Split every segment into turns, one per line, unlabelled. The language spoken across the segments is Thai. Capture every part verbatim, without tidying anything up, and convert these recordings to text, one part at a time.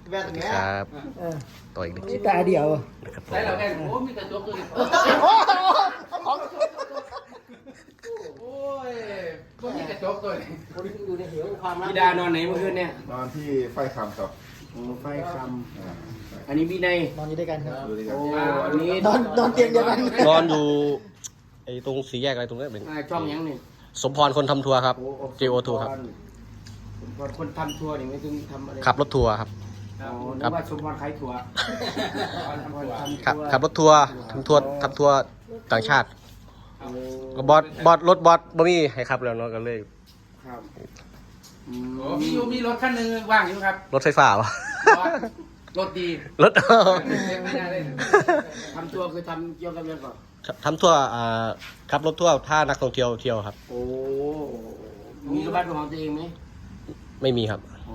ครับต่ออีกหนึ่งชิ้น
ตาเดียว
นะครับ
ใช่เราแค่โอ้มีกระจกเลยโอ้ยพวกมีกระจกตัวนี้
คนที่อยู่ในเหวความรัก
พี่ดานอนไหนเมื่อคืนเนี่ย
นอนที่ไฟคำครับ
ไฟคำอันนี้พี่ใน
นอนอยู่ด้วยกันครับ
ดูดิครับ
โอ้อันนี้
นอนนอนเตียงเดียวกัน
นอนอยู่ไอ้ตรงสีแยกอะไรตรงนี้เป็น
ช่องยังนี่
สมพรคนทำทัวร์ครับ จี โอ ทู ครับ
คนทำทัวร์นี่ไม่ถึงทำอะไร
ขับรถทัวร์ครับ
อ๋อนึกว่าสมพรขายทัวร์
ขับขับรถทัวร์ทำทัวร์ทำทัวร์ต่างชาติก็บอสบอสรถบอสบ่มีให้ขับแล้วเนาะก็เลย
ครับมีอยู่มีรถคันหนึ่งว่างอยู่ครับ
รถไฟฟ้าวะ
รถดี
รถ
ไม่น่าเล่นทำทัวร์คือทำเกี่ยวกับเรื่องก่อน
ทำทัวร์อ่าขับรถทัวร์ถ้านักท่องเที่ยวเที่ยวครับ
โอ้มีรถบ้านของตัวเองไหม
ไม่มีครับ
โอ้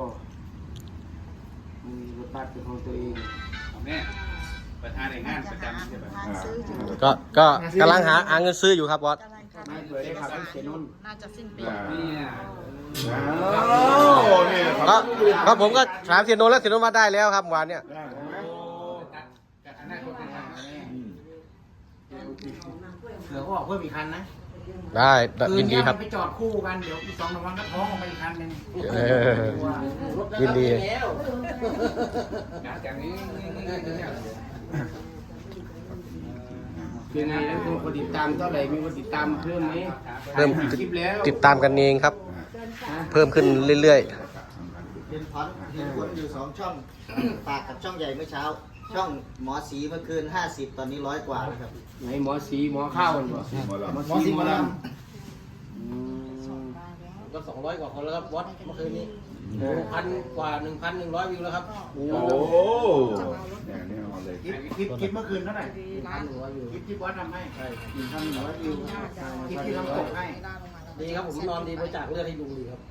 มีรถบ้านเป็นของตัวเองแม่ประธานในงานประจำใช่ไหม
ก็ก็กำลังหาหาเงินซื้ออยู่ครับบอส
ไม่เผื่อได้ขับรถเข็นนุ่น
น่าจะสิ้นปี
นี่
โอ้นี่ค
ก็
รับ
ก็ผมก็ถามเสียโนแล้วเสียโนมาได้แล้วครับวันเนี้ย
เหลือก็บอกเพิ่มอีกคันนะ
ได้ยินดีครับ
ไปจอดคู่กันเดี๋ยวอีกสองสามวันก็ท้องออกไปอีกคันนึง
เออยินดี
จากนี้คือไงแล้วมีคนติดตามเท่าไหร่มีคนติดตามเพิ่มไหม
เพิ่ม
คลิปแล้ว
ติดตามกันเองครับ เพิ่มขึ้นเรื่อย
เห็นพอนเห็นคนอยู่สองช่องปากกับช่องใหญ่เมื่อเช้า ช่องหมอสีเมื่อคืนห้าสิบตอนนี้ร้อยกว่าแล้วครับ
ไหนหมอสีหมอข้าวกันบ่
หมอลำ
หมอสีหมอล
ก็สองร้อยกว่าคนแล้วครับวัดเมื่อคืนนี้พันกว่าหนึ่งพันหนึ่งร้อยวิวแล้วครับ
ำโอ้
โอ้เนี่ยนี่เอาเลย
คลิปคลิปคลิปเมื่อคืนเท่าไหร่
พันหนึ่งร้อยวิว
คลิปที่วัดทำให้
ใช่
หนึ่งพันหนึ่งร้อยวิวคลิปที่ทำตกให้
ดีครับผมนอนดีบริจาคเลือดให้ลุงดีครับ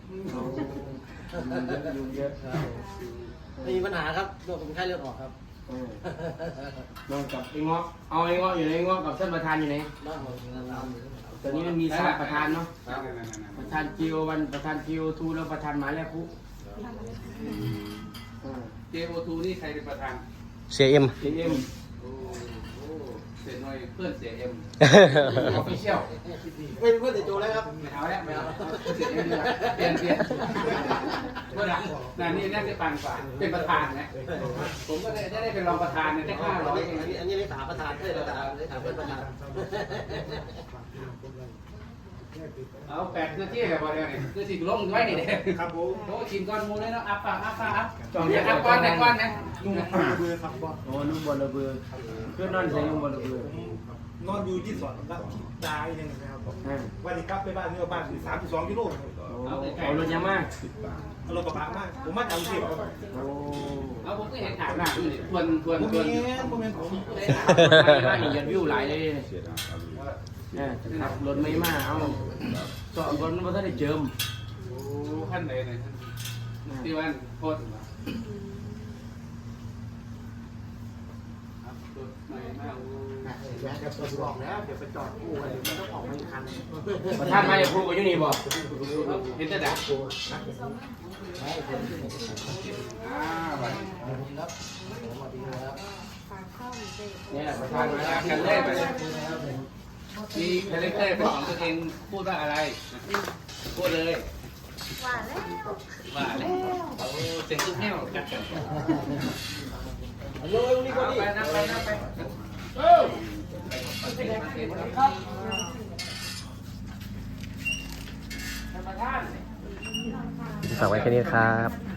ยุงเยอะ
ไม่มีปัญหาครับโรคเป็นไข้เลือดออกครับ
นอนกับไอ้งอกเอาไอ้งอกอยู่ไหนงอกกับท่านประธานอยู่ไหน
บ้านเราทำงาน
ตอนนี้มันมีสามประธานเนาะประธานจีโอวันประธานจีโอทูแล้วประธานหมาแล้วคุ
เจโอทูนี่ใครเป็นประธาน
ๆ เสียเอ็ม
เอ็ม
โอ้โหเสียหน่อยเพื่อนเสียเอ็ม
ออฟฟิเชียล
ไม่เป็นเพื่อนแต่โจแล้วครับ
ไม่เอาแล้วไม่เอา
เสียเอ็มดีกว่าเปลี่ยนเปลี่ยนเมื่อไหร่น่ะนี่น่าจะปันกว่าเป็นประธานนะผมก็ได้ได้เป็นรองประธานเนี่ยได้ห้าร้อย
อันนี้อันนี้เลขาประธานเอ้ยเลขาเลขาเพื่อนประธาน
เอาแปดนาทีแบบว่าเนี่ยคือสิลงไว้นี่เด้ครับผมโอ้ชิมก้อนมูเลยเนาะอัพปะอัพปะอัพจองเนี่ยอัพก้อนแต่ก้อนนะ
โอ้นุ่มบอลระเบือเพื่อนนอนใส่นุ่มบอลระเบือน
อนอยู่ที่สวนแล้วที่ตายหนึ่งนะครับวันนี้กลับไปบ้านนี่บ้านสามสิบสองกิโล
เอารถยามา
เอารถกระบะมาผมมาจากกรุงเทพครับ
โอ้
เอาผมก็เห็นถามหน้าอยู่นี่ทวนทวน
ผม
ทวน
มีผมมีผม
ได้ถามมาอย่าวิวหลายเลย
เสียดายเอาเลย
เนี่ยขับรถไม่มาเอาจอดรถมันก็ได้เจิม
โอ้ขั้นไหนไหนที่วันโคตรครับรถใหม่มาก
เดี๋ยวบอกแล้วเดี๋ยวไปจอดคู่กันมันต้องออกมาอีกคันประธานมาจากครูกับยูนี่บอก
เห็นแต่ดัก
เนี่ยประธานมา
ดักกันเลยไปมีคาแรคเตอร์เป็นของตัวเองพูดว่าอะไรพูดเลย
ว่าแล้ว
ว่าเลยโอ้เสียงตุ้มแห้วจัดกัน
โยนนี่ก็
เอา
ดี
ไปนับไปนับไปเออครับ
ประธาน
ฝากไว้แค่นี้ครับ